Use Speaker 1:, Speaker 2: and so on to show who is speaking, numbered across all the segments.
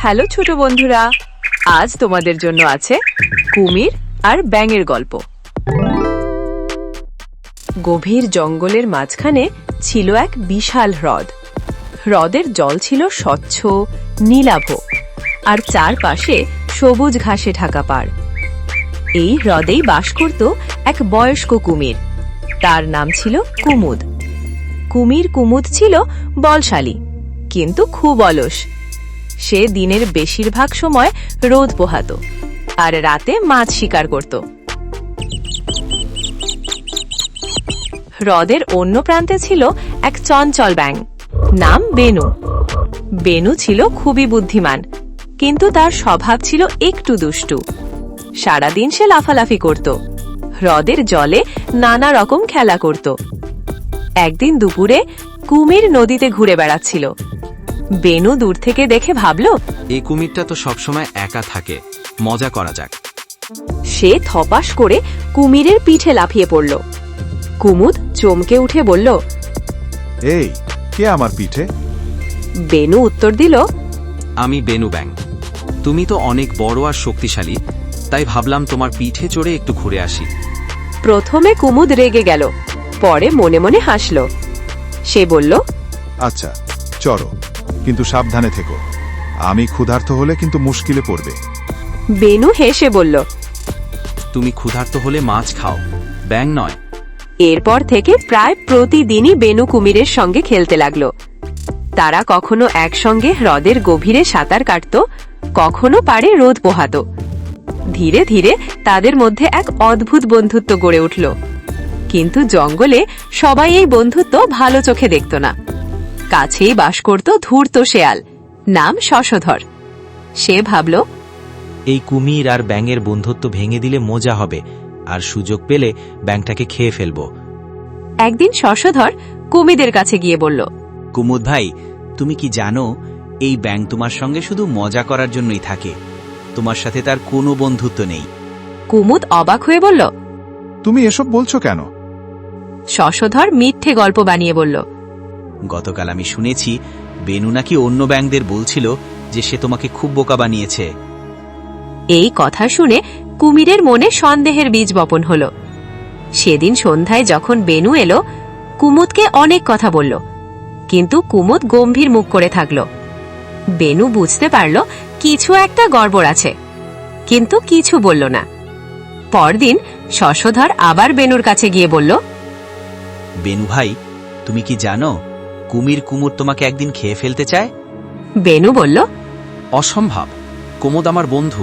Speaker 1: Hello ছোট বন্ধুরা, আজ তোমাদের জন্য আছে কুমির আর ব্যাঙের গল্প। গভীর জঙ্গলের মাঝখানে ছিল এক বিশাল হ্রদ। হ্রদের জল ছিল স্বচ্ছ নীলাভ আর চারপাশে সবুজ ঘাসে ঢাকা পাড়। এই হ্রদেই বাস করত এক বয়স্ক কুমির, তার নাম ছিল কুমুদ। কুমুদ ছিল বলশালী কিন্তু খুব অলস। সে দিনের বেশিরভাগ সময় রোদ পোহাত আর রাতে মাছ শিকার করত। হ্রদের অন্য প্রান্তে ছিল এক চঞ্চল ব্যাঙ, নাম বেনু। বেনু ছিল খুবই বুদ্ধিমান, কিন্তু তার স্বভাব ছিল একটু দুষ্টু। সারাদিন সে লাফালাফি করত, হ্রদের জলে নানা রকম খেলা করত। একদিন দুপুরে কুমির নদীতে ঘুরে বেড়াচ্ছিল। বেনু দূর থেকে দেখে ভাবল,
Speaker 2: এই কুমিরটা তো সবসময় একা থাকে, মজা করা যাক।
Speaker 1: সে থপাস করে কুমিরের পিঠে লাফিয়ে পড়ল। কুমুদ চমকে উঠে বলল,
Speaker 3: এই কে আমার পিঠে?
Speaker 1: বেনু উত্তর দিল,
Speaker 2: আমি বেনু ব্যাং। তুমি তো অনেক বড় আর শক্তিশালী, তাই ভাবলাম তোমার পিঠে চড়ে একটু ঘুরে আসি।
Speaker 1: প্রথমে কুমুদ রেগে গেল, পরে মনে মনে হাসল। সে বলল,
Speaker 3: আচ্ছা চলো, কিন্তু সাবধানে থেকো, আমি ক্ষুধার্ত হলে কিন্তু মুশকিলে পড়বে।
Speaker 1: বেনু হেসে বলল,
Speaker 2: তুমি ক্ষুধার্ত হলে মাছ খাও, ব্যাং নয়।
Speaker 1: এরপর থেকে প্রায় প্রতিদিনই বেনু কুমিরের সঙ্গে খেলতে লাগল। তারা কখনো একসঙ্গে হ্রদের গভীরে সাঁতার কাটত, কখনো পাড়ে রোদ পোহাত। ধীরে ধীরে তাদের মধ্যে এক অদ্ভুত বন্ধুত্ব গড়ে উঠল। কিন্তু জঙ্গলে সবাই এই বন্ধুত্ব ভালো চোখে দেখত না। কাছেই বাস করত ধূর্ত শেয়াল, নাম শশধর। সে ভাবল,
Speaker 4: এই কুমির আর ব্যাঙের বন্ধুত্ব ভেঙে দিলে মজা হবে, আর সুযোগ পেলে ব্যাঙটাকে খেয়ে ফেলব।
Speaker 1: একদিন শশধর কুমিদের কাছে গিয়ে বলল,
Speaker 4: কুমুদ ভাই, তুমি কি জানো এই ব্যাঙ তোমার সঙ্গে শুধু মজা করার জন্যই থাকে, তোমার সাথে তার কোনো বন্ধুত্ব নেই।
Speaker 1: কুমুদ অবাক হয়ে বলল,
Speaker 3: তুমি এসব বলছো কেন?
Speaker 1: শশধর মিথ্যে গল্প বানিয়ে বলল,
Speaker 4: গতকাল আমি শুনেছি বেনু নাকি অন্য ব্যাঙদের বলছিল যে সে তোমাকে খুব বোকা বানিয়েছে।
Speaker 1: এই কথা শুনে কুমিরের মনে সন্দেহের বীজ বপন হল। সেদিন সন্ধ্যায় যখন বেনু এলো, কুমুদকে অনেক কথা বলল, কিন্তু কুমুদ গম্ভীর মুখ করে থাকল। বেনু বুঝতে পারল কিছু একটা গড়বড় আছে, কিন্তু কিছু বলল না। পরদিন শশধর আবার বেনুর কাছে গিয়ে বলল,
Speaker 4: বেনু ভাই, তুমি কি জানো কুমুর তোমাকে একদিন খেয়ে ফেলতে চায়?
Speaker 1: বেনু বলল,
Speaker 2: অসম্ভব, কুমুদ আমার বন্ধু।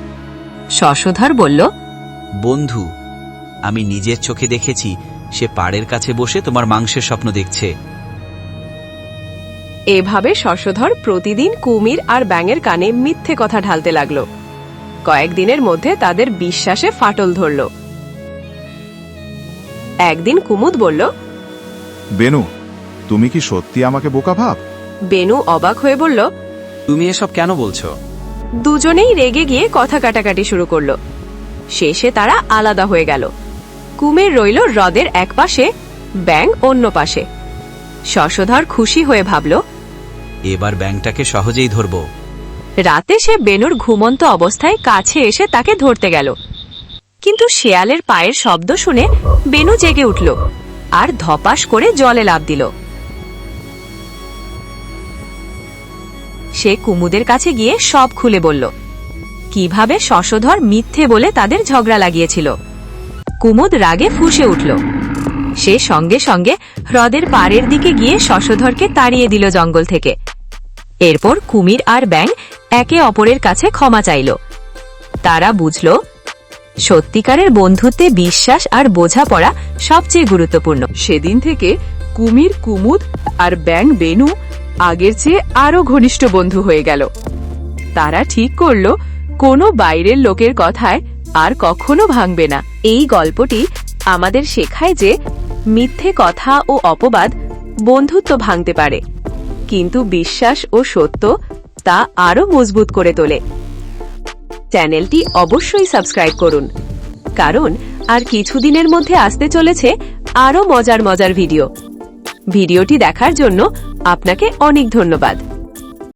Speaker 1: শশধর বলল,
Speaker 4: বন্ধু? আমি নিজের চোখে দেখেছি সে পাড়ের কাছে বসে তোমার মাংসের স্বপ্ন দেখছে।
Speaker 1: এভাবে শশধর প্রতিদিন কুমির আর ব্যাঙের কানে মিথ্যে কথা ঢালতে লাগল। কয়েকদিনের মধ্যে তাদের বিশ্বাসে ফাটল ধরল। একদিন কুমুদ বলল,
Speaker 3: বেনু, তুমি কি সত্যি আমাকে বোকা ভাব?
Speaker 1: বেনু অবাক হয়ে বলল,
Speaker 2: তুমি এসব কেন বলছো?
Speaker 1: দুজনেই রেগে গিয়ে কথা কাটাকাটি শুরু করল। শেষে তারা আলাদা হয়ে গেল। কুমির রইল হ্রদের এক পাশে, ব্যাঙ অন্য পাশে। শশধর খুশি হয়ে ভাবল,
Speaker 4: এবার ব্যাঙটাকে সহজেই ধরব।
Speaker 1: রাতে সে বেনুর ঘুমন্ত অবস্থায় কাছে এসে তাকে ধরতে গেল। কিন্তু শেয়ালের পায়ের শব্দ শুনে বেনু জেগে উঠল আর ধপাস করে জলে লাফ দিল। সে কুমুদের কাছে গিয়ে সব খুলে বলল, কিভাবে শশধর মিথ্যে বলে তাদের ঝগড়া লাগিয়েছিল। কুমুদ রাগে ফুঁসে উঠল। সে সঙ্গে সঙ্গে হ্রদের পাড়ের দিকে গিয়ে শশধরকে তাড়িয়ে দিল জঙ্গল থেকে। এরপর কুমির আর ব্যাঙ একে অপরের কাছে ক্ষমা চাইল। তারা বুঝল, সত্যিকারের বন্ধুত্বে বিশ্বাস আর বোঝাপড়া সবচেয়ে গুরুত্বপূর্ণ। সেদিন থেকে কুমির কুমুদ আর ব্যাঙ বেনু আগের চেয়ে আরো ঘনিষ্ঠ বন্ধু হয়ে গেল। তারা ঠিক করল, কোনো বাইরের লোকের কথায় আর কখনো ভাঙবে না। এই গল্পটি আমাদের শেখায় যে মিথ্যে কথা ও অপবাদ বন্ধুত্ব ভাঙতে পারে, কিন্তু বিশ্বাস ও সত্য তা আরো মজবুত করে তোলে। চ্যানেলটি অবশ্যই সাবস্ক্রাইব করুন, কারণ আর কিছুদিনের মধ্যে আসতে চলেছে আরো মজার ভিডিওটি দেখার জন্য আপনাকে অনেক ধন্যবাদ।